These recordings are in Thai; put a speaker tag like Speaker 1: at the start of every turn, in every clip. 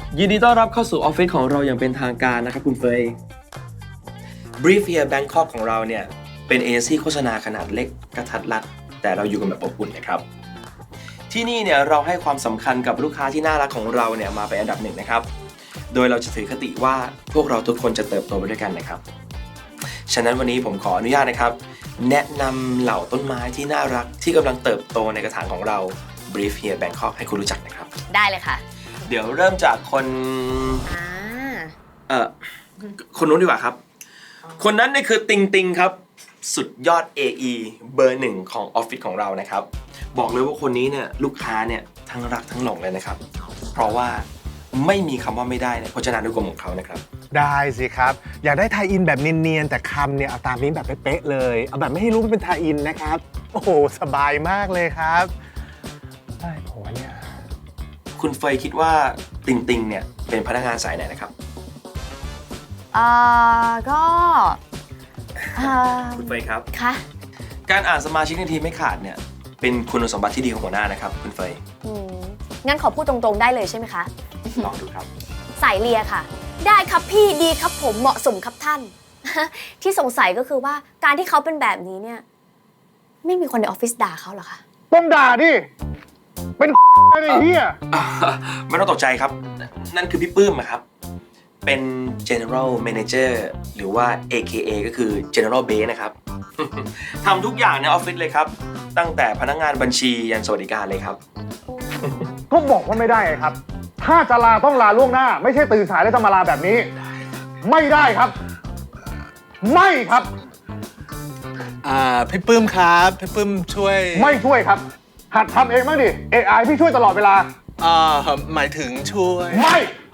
Speaker 1: ยินดีต้อนรับเข้าสู่ออฟฟิศของเราอย่างเป็นทางการนะครับคุณเฟย Brief Here Bangkok ของเราเนี่ยเป็นเอเจนซี่โฆษณาขนาดเล็กกระทัดรัดแต่เราอยู่กันแบบอบอุ่นนะครับที่นี่เนี่ยเราให้ความสำคัญกับลูกค้าที่น่ารักของเราเนี่ยมาเป็นอันดับหนึ่งนะครับโดยเราจะถือคติว่าพวกเราทุกคนจะเติบโตไปด้วยกันนะครับฉะนั้นวันนี้ผมขออนุญาตนะครับแนะนำเหล่าต้นไม้ที่น่ารักที่กำลังเติบโตในกระถางของเรา Brief Here Bangkok ให้คุณรู้จักนะครับ
Speaker 2: ได้เลยค่ะ
Speaker 1: เดี๋ยวเริ่มจากคนคนนู้นดีกว่าครับคนนั้นนี่คือติงติงครับสุดยอด AE เบอร์หนึ่งของออฟฟิศของเรานะครับบอกเลยว่าคนนี้เนี่ยลูกค้าเนี่ยทั้งรักทั้งหลงเลยนะครับเพราะว่าไม่มีคำว่าไม่ได้ในพจนานุกรมของเขานะครับ
Speaker 3: ได้สิครับอยากได้ไทยอินแบบเนียนๆแต่คำเนี่ยเอาตามนี้แบบเป๊ะๆเลยเอาแบบไม่ให้รู้ว่าเป็นไทยอินนะครับโอ้โหสบายมากเลยครับไอ้โหเนี่ย
Speaker 1: คุณเฟยคิดว่าติงติงเนี่ยเป็นพนักงานสายไหนนะครับ
Speaker 2: ก็
Speaker 1: คุณเฟยครับ
Speaker 2: ค่ะ
Speaker 1: การอ่านสมาชิกในทีมไม่ขาดเนี่ยเป็นคุณสมบัติที่ดีของหัวหน้านะครับคุณเฟย
Speaker 2: งั้นขอพูดตรงๆได้เลยใช่ไหมคะ
Speaker 1: ลองดูครับ
Speaker 2: สายเลียค่ะได้ครับพี่ดีครับผมเหมาะสมครับท่าน ที่สงสัยก็คือว่าการที่เขาเป็นแบบนี้เนี่ยไม่มีคนในออฟฟิศด่าเขาหรอคะ
Speaker 3: ต้องด่าดิเป็นอะไรเฮีย
Speaker 1: ไม่ต้องตกใจครับนั่นคือพี่ปื้มครับเป็น General Manager หรือว่า AKA ก็คือ General Base นะครับทำทุกอย่างในออฟฟิศเลยครับตั้งแต่พนักงานบัญชียันสวัสดิการเลยครับ
Speaker 3: ก็บอกว่าไม่ได้ครับถ้าจะลาต้องลาล่วงหน้าไม่ใช่ตื่นสายแล้วจะมาลาแบบนี้ไม่ได้ครับไม่ครับ
Speaker 4: พี่ปื้มครับพี่ปื้มช่วย
Speaker 3: ไม่ช่วยครับหัดทำเองบ้างดิ AI พี่ช่วยตลอดเวลา
Speaker 4: หมายถึงช่วย
Speaker 3: ไม่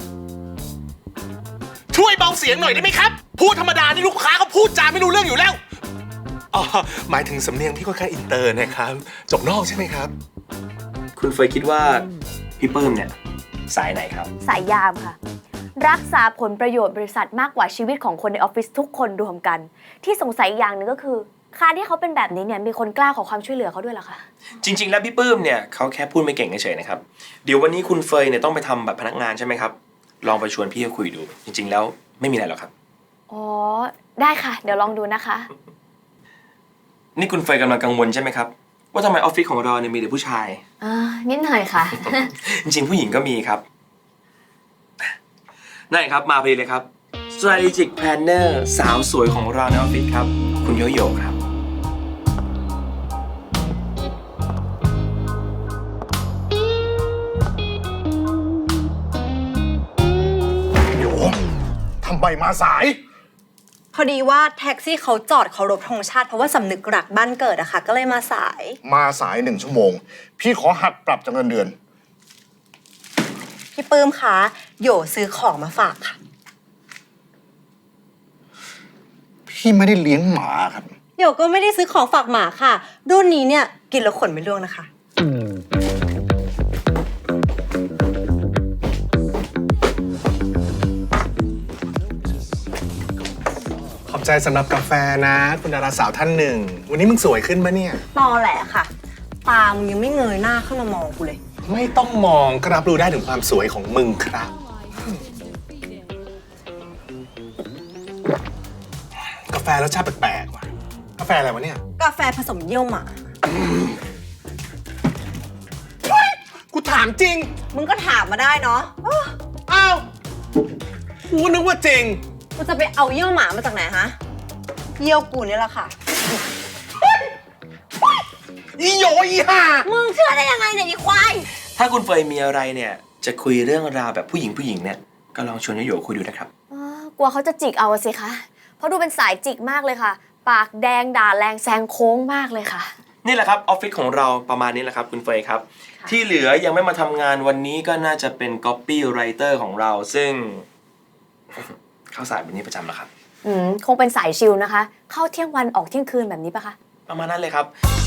Speaker 4: ช่วยเบาเสียงหน่อยได้ไหมครับพูดธรรมดานี่ลูกค้าเขาพูดจาไม่รู้เรื่องอยู่แล้วหมายถึงสำเนียงพี่ค่อนข้างอินเตอร์นะครับจบนอกใช่ไหมครับ
Speaker 1: คุณเฟยคิดว่าพี่ปื้มเนี่ยสายไหนครับ
Speaker 2: สายยามค่ะรักษาผลประโยชน์บริษัทมากกว่าชีวิตของคนในออฟฟิศทุกคนรวมกันที่สงสัยอย่างหนึ่งก็คือการที่เขาเป็นแบบนี้เนี่ยมีคนกล้าขอความช่วยเหลือเขาด้วยเหรอคะ
Speaker 1: จริงๆแล้วพี่ปื้มเนี่ยเขาแค่พูดไม่เก่งเฉยๆนะครับเดี๋ยววันนี้คุณเฟยเนี่ยต้องไปทำบัตรพนักงานใช่ไหมครับลองไปชวนพี่เขาคุยดูจริงๆแล้วไม่มีอะไรหรอกครับ
Speaker 2: อ๋อได้ค่ะเดี๋ยวลองดูนะคะ
Speaker 1: นี่คุณเฟยกำลังกังวลใช่ไหมครับว่าทำไมออฟฟิศของเราเนี่ยมีแต่ผู้ชาย
Speaker 2: นิดหน่อยค่ะ
Speaker 1: จริงๆผู้หญิงก็มีครับนั่นครับมาพอดีเลยครับ Strategic Planner สาวสวยของเราในออฟฟิศครับคุณโยโย่ครับ
Speaker 3: โยมทำไมมาสาย
Speaker 5: พอดีว่าแท็กซี่เขาจอดเคารพธงชาติเพราะว่าสำนึกรักบ้านเกิดอะค่ะก็เลยมาสาย
Speaker 3: 1 ชั่วโมงพี่ขอหักปรับจากเงินเดือน
Speaker 5: พี่ปื้มคะโยซื้อของมาฝากค่ะ
Speaker 3: พี่ไม่ได้เลี้ยงหมาครับ
Speaker 5: โยก็ไม่ได้ซื้อของฝากหมาค่ะรุ่นนี้เนี่ยกินแล้วขนไม่ร่วงนะคะ
Speaker 4: ขอบใจสำหรับกาแฟนะคุณดาราสาวท่านหนึ่งวันนี้มึงสวยขึ้นปะเนี่ย
Speaker 5: ตอแหละค่ะตามึงยังไม่เงยหน้าขึ้นมามองกูเลย
Speaker 4: ไม่ต้องมองก็รับรู้ได้ถึงความสวยของมึงครับกาแฟรสชาติแปลกๆว่ะกาแฟอะไรวะเนี่ย
Speaker 5: กาแฟผสมเยี่ยวหมา
Speaker 4: กูถามจริง
Speaker 5: มึงก็ถามมาได้เนาะ
Speaker 4: อ้าวกูนึกว่าจริง
Speaker 5: กูจะไปเอาเยี่ยวหมามาจากไหนฮะเยี่ยวกูนี่แหละค่ะ
Speaker 4: อีโยอีห่า
Speaker 5: มึงเชื่อได้ยังไงเนี่ยอีควาย
Speaker 1: ถ้าคุณเฟยมีอะไรเนี่ยจะคุยเรื่องราวแบบผู้หญิงเนี่ยก็ลองชวนโยโย่คุยดูนะครับ
Speaker 2: กลัวเขาจะจิกเอาสิคะเพราะดูเป็นสายจิกมากเลยค่ะปากแดงด่าแรงแซงโค้งมากเลยค่ะ
Speaker 1: นี่แหละครับออฟฟิศของเราประมาณนี้แหละครับคุณเฟยครับที่เหลือยังไม่มาทำงานวันนี้ก็น่าจะเป็น copywriter ของเราซึ่งเข้าสายแบบนี้ประจำแล้วครับ
Speaker 2: คงเป็นสายชิลนะคะเข้าเที่ยงวันออกเที่ยงคืนแบบนี้ปะคะ
Speaker 1: ประมาณนั้นเลยครับ